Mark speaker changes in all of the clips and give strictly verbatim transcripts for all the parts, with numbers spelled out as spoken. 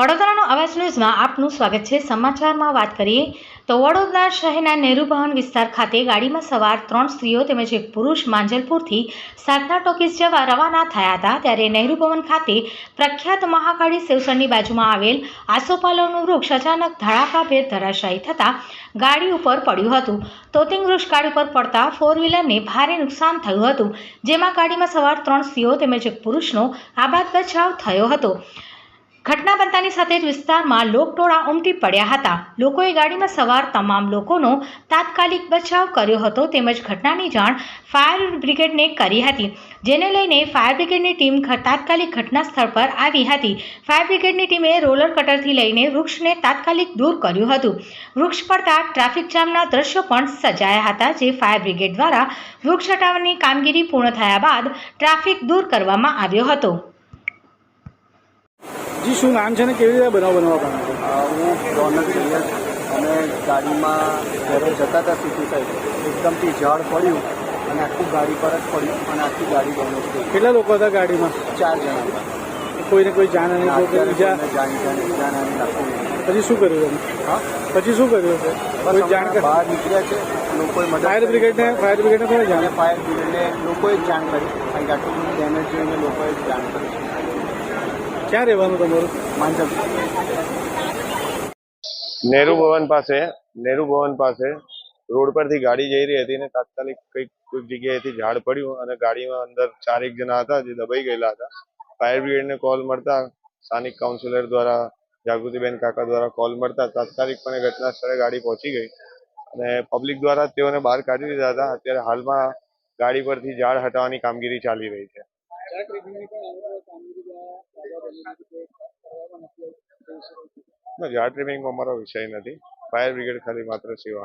Speaker 1: વડોદરાનો અવાજ ન્યૂઝમાં આપનું સ્વાગત છે। સમાચારમાં વાત કરીએ તો વડોદરા શહેરના નહેરુ ભવન વિસ્તાર ખાતે ગાડીમાં સવાર ત્રણ સ્ત્રીઓ તેમજ એક પુરુષ માંજલપુરથી સાધના ટોકીઝ જવા રવાના થયા હતા। ત્યારે નહેરુ ભવન ખાતે પ્રખ્યાત મહાકાળી શિવસરની બાજુમાં આવેલ આસોપાલવનું વૃક્ષ અચાનક ધડાકાભેર ધરાશાયી થતાં ગાડી ઉપર પડ્યું હતું। તોતિંગ વૃક્ષ ગાડી પર પડતા ફોર વ્હીલરને ભારે નુકસાન થયું હતું, જેમાં ગાડીમાં સવાર ત્રણ સ્ત્રીઓ તેમજ એક પુરુષનો આબાદ બચાવ થયો હતો। ઘટના બનતાની સાથે જ વિસ્તારમાં લોકટોળા ઉમટી પડ્યા હતા। લોકોએ ગાડીમાં સવાર તમામ લોકોનો તાત્કાલિક બચાવ કર્યો હતો તેમજ ઘટનાની જાણ ફાયર બ્રિગેડને કરી હતી, જેને લઈને ફાયર બ્રિગેડની ટીમ તાત્કાલિક ઘટના સ્થળ પર આવી હતી। ફાયર બ્રિગેડની ટીમે રોલર કટરથી લઈને વૃક્ષને તાત્કાલિક દૂર કર્યું હતું। વૃક્ષ પડતા ટ્રાફિક જામના દ્રશ્યો પણ સર્જાયા હતા, જે ફાયર બ્રિગેડ દ્વારા વૃક્ષ હટાવવાની કામગીરી પૂર્ણ થયા બાદ ટ્રાફિક દૂર કરવામાં આવ્યો હતો।
Speaker 2: जी શું નામ છે ને કેવી રીતે બનાવ બનાવવા પામ્યો?
Speaker 3: હું રોનક સૈયદ અને ગાડીમાં ઘરે જતા હતા સિટી સાઈડ એકદમથી ઝાડ પડ્યું અને આખું ગાડી પર જ પડ્યું અને આખી ગાડી ડેમેજ થઈ।
Speaker 2: કેટલા લોકો હતા ગાડીમાં?
Speaker 3: ચાર જણા હતા।
Speaker 2: કોઈને કોઈ જાન અને
Speaker 3: અત્યારે
Speaker 2: બીજા
Speaker 3: કોઈને જાણ જાણ જાણ લાગતું નથી।
Speaker 2: પછી શું કર્યું તમે?
Speaker 3: હા
Speaker 2: પછી શું કર્યું છે? કોઈ
Speaker 3: બસ
Speaker 2: જાણ
Speaker 3: હમણાં બહાર નીકળ્યા છે, લોકોએ મદદ
Speaker 2: ફાયર બ્રિગેડને ફાયર બ્રિગેડને કોને જાણ?
Speaker 3: અને ફાયર બ્રિગેડને લોકોએ જ જાણ કરી, કારણ કે આટલું બધું ડેમેજ જોઈને લોકોએ જ જાણ કરી છે।
Speaker 2: ક્યાં રહેવાનું તમારું?
Speaker 3: માંજલ
Speaker 4: નહેરુ ભવન પાસે નહેરુ ભવન પાસે રોડ પરથી ગાડી જઈ રહી હતી ને તાત્કાલિક કંઈક કોઈક જગ્યાએથી ઝાડ પડ્યું અને ગાડીમાં અંદર ચાર એક જણા હતા જે દબાઈ ગયેલા હતા। ફાયર બ્રિગેડને કોલ મળતા સ્થાનિક કાઉન્સિલર દ્વારા જાગૃતિબેન કાકા દ્વારા કોલ મળતા તાત્કાલિકપણે ઘટના સ્થળે ગાડી પહોંચી ગઈ અને પબ્લિક દ્વારા તેઓને બહાર કાઢી દીધા હતા। અત્યારે હાલમાં ગાડી પરથી ઝાડ હટાવવાની કામગીરી ચાલી રહી છે। ઝાડ ટ્રીમિંગમાં અમારો વિષય નથી, ફાયર બ્રિગેડ ખાલી માત્ર સેવા।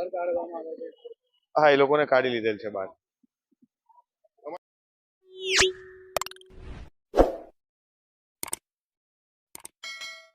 Speaker 4: હા, એ લોકોને કાઢી લીધેલ છે બહાર।